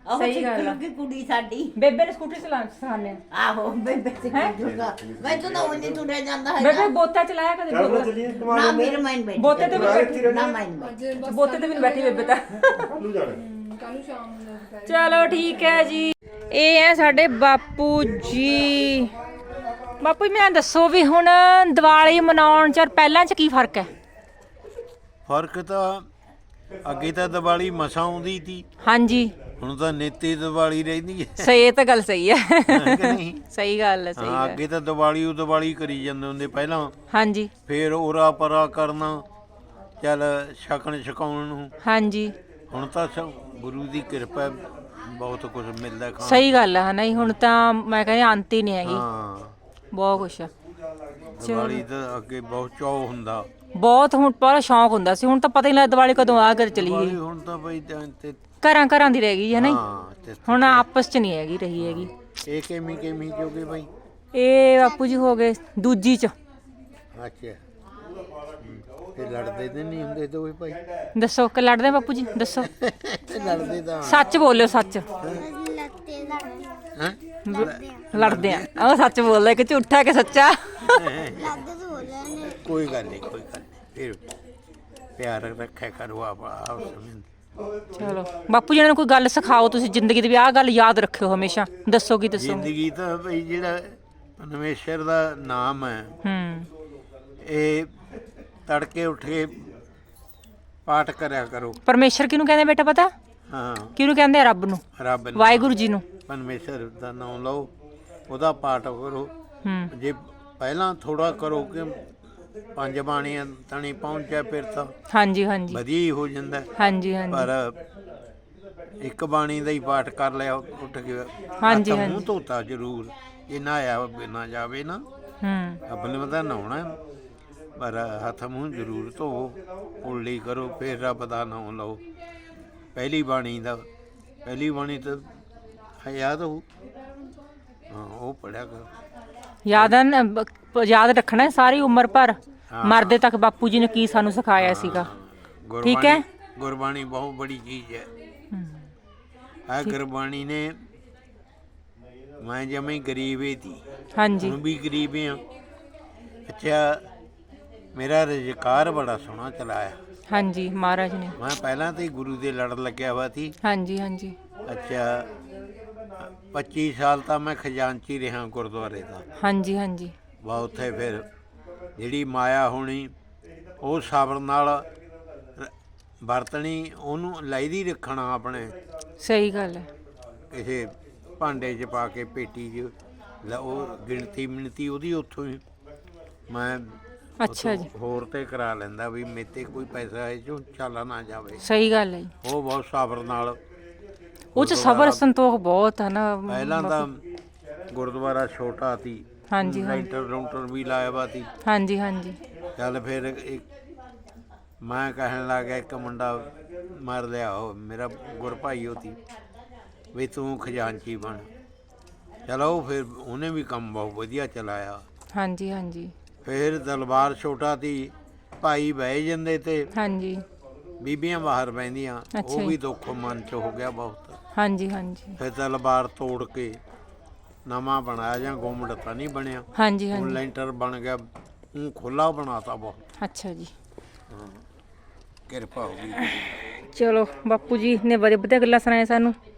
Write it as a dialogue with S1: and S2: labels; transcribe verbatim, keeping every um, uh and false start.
S1: ਸਹੀ ਗੱਲ ਆ
S2: ਕਿ ਕੁੜੀ ਸਾਡੀ
S1: ਬੇਬੇ ਨੇ ਸਕੂਟਰ ਚਲਾ ਸਿਖਾਣੇ
S2: ਆਹੋ ਬੇਬੇ ਸਿੱਖ ਜੂਗਾ ਮੈਂ ਤਾਂ ਉਹ ਨਹੀਂ ਤੁਰਿਆ ਜਾਂਦਾ ਹੈ
S1: ਬੇਬੇ ਬੋਤਾ ਚਲਾਇਆ ਕਦੇ
S3: ਚੱਲ
S1: ਬੋਤਾ
S3: ਚੱਲੀਏ ਕਮਾ
S2: ਨਾ
S3: ਲੈਂਦੇ
S2: ਮੇਰੇ ਮਾਈਨ ਬੈਠੀ
S1: ਬੋਤੇ ਤੇ ਵੀ ਬੈਠੀ
S2: ਨਾ ਮਾਈਨ ਬੈਠੀ
S1: ਬੋਤੇ ਤੇ ਵੀ ਨੀ ਬੈਠੀ ਬੇਬੇ ਤਾਂ
S3: ਕੱਲੂ ਜਾਣਾ
S4: ਕੱਲ ਸ਼ਾਮ ਨੂੰ ਦੁਪਹਿਰ
S1: ਚਲੋ ਠੀਕ ਹੈ ਜੀ ਇਹ ਹੈ ਸਾਡੇ ਬਾਪੂ ਜੀ ਬਾਪੂ ਜੀ ਮੈਨੂੰ ਦੱਸੋ ਵੀ ਹੁਣ ਦੀਵਾਲੀ ਮਨਾਉਣ ਚ ਪਹਿਲਾਂ ਚ ਕੀ ਫਰਕ ਹੈ
S5: ਫਰਕ ਤਾਂ ਅੱਗੇ ਤਾਂ ਦੀਵਾਲੀ ਮਸਾਂ ਆਉਂਦੀ ਸੀ
S1: ਹਾਂਜੀ
S5: ਹੁਣ ਤਾਂ ਨਿੱਤੀ ਦੀਵਾਲੀ ਰਹਿੰਦੀ ਹੈ
S1: ਸਹੀ ਇਹ ਤਾਂ ਗੱਲ ਸਹੀ ਹੈ
S5: ਹੈ ਕਿ ਨਹੀਂ
S1: ਸਹੀ ਗੱਲ ਹੈ ਸਹੀ
S5: ਹਾਂ
S1: ਹੈ
S5: ਅੱਗੇ ਤਾਂ ਦੀਵਾਲੀ ਉਹ ਦੀਵਾਲੀ ਕਰੀ ਜਾਂਦੇ ਹੁੰਦੇ ਪਹਿਲਾਂ
S1: ਹਾਂਜੀ
S5: ਫੇਰ ਉਰਾ ਪਰਾ ਕਰਨਾ ਚੱਲ ਛਕਣ ਛਕਾਉਣ ਨੂੰ
S1: ਹਾਂਜੀ
S5: ਹੁਣ ਤਾਂ ਸਭ ਗੁਰੂ ਦੀ ਕਿਰਪਾ ਹੈ, ਬਹੁਤ ਕੁਝ ਮਿਲਦਾ ਖਾਣ
S1: ਸਹੀ ਗੱਲ ਹੈ ਨਹੀਂ ਹੁਣ ਤਾਂ ਮੈਂ ਕਹਿੰਦੀ ਅੰਤ ਹੀ ਨਹੀਂ ਹੈਗੀ
S5: ਹਾਂ
S1: ਬਹੁਤ ਕੁਛ ਆ
S5: ਦੀਵਾਲੀ ਤਾਂ ਅੱਗੇ ਬਹੁਤ ਚਾਅ ਹੁੰਦਾ
S1: ਬਹੁਤ ਹੁਣ ਪਹਿਲਾਂ ਸ਼ੌਂਕ ਹੁੰਦਾ ਸੀ ਹੁਣ ਤਾਂ ਪਤਾ ਹੀ ਨਹੀਂ ਲੱਗਦਾ ਦੀਵਾਲੀ ਕਦੋਂ ਆ ਕਰ ਚਲੀ
S5: ਦੀਵਾਲੀ
S1: ਗਈ
S5: ਹੁਣ ਤਾਂ ਬਈ ਤੇ- ਤੇ
S1: ਘਰਾਂ ਘਰਾਂ ਦੀ ਰਹਿ ਗਈ ਹੈ ਨਹੀਂ
S5: ਹਾਂ ਤੇ
S1: ਹੁਣ ਆਪਸ ਚ ਨਹੀਂ ਹੈਗੀ ਰਹੀ ਹੈਗੀ
S5: ਇਹ ਕਿਵੇਂ ਕਿਵੇਂ ਜੋਗੇ ਬਈ
S1: ਇਹ ਬਾਪੂ ਜੀ ਹੋ ਗਏ ਦੂਜੀ ਚ
S5: ਅੱਛਾ ਤੇ ਲੜਦੇ ਤੇ ਨਹੀਂ ਹੁੰਦੇ ਦੋਵੇਂ ਭਾਈ
S1: ਦੱਸੋ ਕਿ ਲੜਦੇ ਬਾਪੂ ਜੀ ਦੱਸੋ
S5: ਲੜਦੇ ਤਾਂ
S1: ਸੱਚ ਬੋਲਿਓ ਸੱਚ
S5: ਹੈਂ?
S1: ਲੜਦੇ ਆ ਉਹ ਸੱਚ ਬੋਲਦਾ ਕਿ ਝੂਠਾ ਕਿ ਸੱਚਾ
S5: ਕੋਈ ਗੱਲ ਨਹੀਂ ਕੋਈ ਗੱਲ ਨਹੀਂ ਫਿਰ ਪਿਆਰ ਰੱਖਿਆ ਕਰੋ ਆਪ ਆਪਸ ਵਿੱਚ
S1: ਚਲੋ ਬਾਪੂ ਜੀ ਨੂੰ ਕੋਈ ਗੱਲ ਸਿਖਾਓ ਤੁਸੀਂ ਜ਼ਿੰਦਗੀ ਦੀ ਵੀ ਆਹ ਗੱਲ ਯਾਦ ਰੱਖਿਓ ਹਮੇਸ਼ਾ ਦੱਸੋ ਕੀ ਦੱਸੋ
S5: ਜ਼ਿੰਦਗੀ ਤਾਂ ਭਈ ਜਿਹੜਾ ਪਰਮੇਸ਼ਰ ਦਾ ਨਾਮ ਹੈ
S1: ਹੂੰ
S5: ਇਹ ਤੜਕੇ ਉੱਠ ਕੇ ਪਾਠ ਕਰਿਆ ਕਰੋ
S1: ਪਰਮੇਸ਼ਰ ਕਿਹਨੂੰ ਕਹਿੰਦੇ ਬੇਟਾ ਪਤਾ
S5: ਹਾਂ
S1: ਕਿਹਨੂੰ ਕਹਿੰਦੇ ਆ ਰੱਬ ਨੂੰ
S5: ਰੱਬ ਨੂੰ
S1: ਵਾਹਿਗੁਰੂ ਜੀ ਨੂੰ
S5: ਪਰਮੇਸ਼ਰ ਦਾ ਨਾਮ ਲਓ ਉਹਦਾ ਪਾਠ ਕਰੋ
S1: ਹੂੰ
S5: ਜੇ ਪਹਿਲਾਂ ਥੋੜਾ ਕਰੋ ਕਿ ਪੰਜ ਬਾਣੀਆਂ ਤਣੀ ਪਹੁੰਚਿਆ ਫਿਰ ਤਾਂ
S1: ਹਾਂਜੀ ਹਾਂਜੀ
S5: ਵਧੀਆ ਹੀ ਹੋ ਜਾਂਦਾ
S1: ਹਾਂਜੀ ਹਾਂਜੀ
S5: ਪਰ ਇੱਕ ਬਾਣੀ ਦਾ ਹੀ ਪਾਠ ਕਰ ਲਿਆ ਉੱਠ ਕੇ
S1: ਹਾਂਜੀ,
S5: ਹੱਥ
S1: ਹਾਂਜੀ।
S5: ਮੂੰਹ ਧੋਤਾ ਜ਼ਰੂਰ ਜੇ ਨਹਾਇਆ ਬਿਨਾ ਜਾਵੇ ਨਾ
S1: ਹੂੰ
S5: ਆਪਣੇ ਮਤਾ ਨਹਾਉਣਾ ਪਰ ਹੱਥ ਮੂੰਹ ਜ਼ਰੂਰ ਧੋਵੋ ਉਲਟੀ ਕਰੋ ਫਿਰ ਰੱਬ ਦਾ ਨਾਮ ਲਓ ਪਹਿਲੀ ਬਾਣੀ ਦਾ ਪਹਿਲੀ ਬਾਣੀ ਤਾਂ ਯਾਦ ਹੋ ਹਾਂ ਉਹ ਪੜਿਆ ਕਰੋ
S1: ਯਾਦ ਆ ਨਾ, ਬ- ਯਾਦ ਰੱਖਣਾ ਹੈ ਸਾਰੀ ਉਮਰ ਭਰ ਮਰਦੇ ਤੱਕ ਬਾਪੂ ਜੀ ਨੇ ਕੀ ਸਾਨੂੰ ਸਿਖਾਇਆ ਸੀਗਾ ਠੀਕ ਹੈ
S5: ਗੁਰਬਾਣੀ ਗੁਰਬਾਣੀ ਬਹੁਤ ਬੜੀ ਚੀਜ਼ ਹੈ ਆ ਗੁਰਬਾਣੀ ਨੇ ਮੈਂ ਜਮੇ ਗਰੀਬ ਹੀ ਸੀ
S1: ਹਾਂਜੀ
S5: ਹੁਣ ਵੀ ਗਰੀਬ ਹਾਂ ਅੱਛਾ ਮੇਰਾ ਰੁਜ਼ਗਾਰ ਬੜਾ ਸੋਹਣਾ ਚਲਾਇਆ
S1: ਹਾਂਜੀ ਮਹਾਰਾਜ ਨੇ
S5: ਮੈਂ ਪਹਿਲਾਂ ਤੇ ਗੁਰੂ ਦੇ ਲੜ ਲੱਗਿਆ ਹੋਇਆ ਸੀ
S1: ਹਾਂਜੀ ਹਾਂਜੀ
S5: ਅੱਛਾ ਪੱਚੀ ਸਾਲ ਤਾਂ ਮੈਂ ਖਜ਼ਾਨਚੀ ਰਿਹਾ ਗੁਰਦੁਆਰੇ ਦਾ
S1: ਹਾਂਜੀ ਹਾਂਜੀ
S5: ਵਾ ਉੱਥੇ ਫਿਰ ਜਿਹੜੀ ਮਾਇਆ ਹੋਣੀ ਉਹ ਸਬਰ ਨਾਲ ਰ- ਵਰਤਣੀ ਉਹਨੂੰ ਲਾਈਦੀ ਰੱਖਣਾ ਆਪਣੇ
S1: ਸਹੀ ਗੱਲ ਹੈ
S5: ਕਿਸੇ ਭਾਂਡੇ 'ਚ ਪਾ ਕੇ ਪੇਟੀ 'ਚ ਲ- ਉਹ ਗਿਣਤੀ ਮਿਣਤੀ ਉਹਦੀ ਉੱਥੋਂ ਹੀ ਮੈਂ
S1: ਅੱਛਾ
S5: ਉੱਥੋਂ
S1: ਜੀ
S5: ਹੋਰ ਤੇ ਕਰਾ ਲੈਂਦਾ ਵੀ ਮੇਤੇ ਕੋਈ ਪੈਸਾ ਇਹ ਚੋਂ ਚਾਲਾ ਨਾ ਜਾਵੇ
S1: ਸਹੀ ਗੱਲ ਹੈ ਜੀ।
S5: ਉਹ ਬਹੁਤ ਸਬਰ ਨਾਲ
S1: ਉਹ ਚ ਸਬਰ ਸੰਤੋਖ ਬਹੁਤ ਹੈ ਨਾ
S5: ਪਹਿਲਾਂ ਤਾਂ ਗੁਰਦੁਆਰਾ ਛੋਟਾ ਸੀ
S1: ਹਾਂਜੀ ਹਾਂਜੀ
S5: ਲੈਂਟਰ ਰੂੰਟਰ ਵੀ ਲਾਇਆ ਵਾ ਸੀ
S1: ਹਾਂਜੀ ਹਾਂਜੀ
S5: ਚੱਲ ਫਿਰ ਇੱਕ ਮੈਂ ਕਹਿਣ ਲੱਗ ਗਿਆ ਇੱਕ ਮੁੰਡਾ ਮਰ ਲਿਆ ਉਹ ਮੇਰਾ ਗੁਰਭਾਈ ਉਹ ਸੀ ਵੀ ਤੂੰ ਖਜ਼ਾਨਚੀ ਬਣ ਚਲੋ ਫਿਰ ਉਹਨੇ ਵੀ ਕੰਮ ਬਹੁਤ ਵਧੀਆ ਚਲਾਇਆ
S1: ਹਾਂਜੀ ਹਾਂਜੀ
S5: ਫਿਰ ਦਰਬਾਰ ਛੋਟਾ ਸੀ ਭਾਈ ਬਹਿ ਜਾਂਦੇ ਤੇ
S1: ਹਾਂਜੀ
S5: ਬੀਬੀਆਂ ਬਾਹਰ ਬਹਿੰਦੀਆਂ
S1: ਅੱਛਾ
S5: ਉਹ
S1: ਜੀ।
S5: ਵੀ ਦੁੱਖ ਮਨ ਚ ਹੋ ਗਿਆ ਬਹੁਤ
S1: ਹਾਂਜੀ ਹਾਂਜੀ
S5: ਫਿਰ ਦਰਬਾਰ ਤੋੜ ਕੇ ਨਵਾਂ ਬਣਾਇਆ ਜਾਂ ਗੁੰਮਟ ਤਾਂ ਨਹੀਂ ਬਣਿਆ
S1: ਹਾਂਜੀ
S5: ਹੁਣ
S1: ਹਾਂਜੀ
S5: ਲੈਂਟਰ ਬਣ ਗਿਆ ਉਹ ਖੁੱਲਾ ਬਣਾਤਾ ਬਹੁਤ
S1: ਅੱਛਾ ਜੀ
S5: ਕਿਰਪਾ ਹੋ ਗਈ
S1: ਚਲੋ ਬਾਪੂ ਜੀ ਨੇ ਬੜੇ ਵਧੀਆ ਗੱਲਾਂ ਸੁਣਾਏ ਸਾਨੂੰ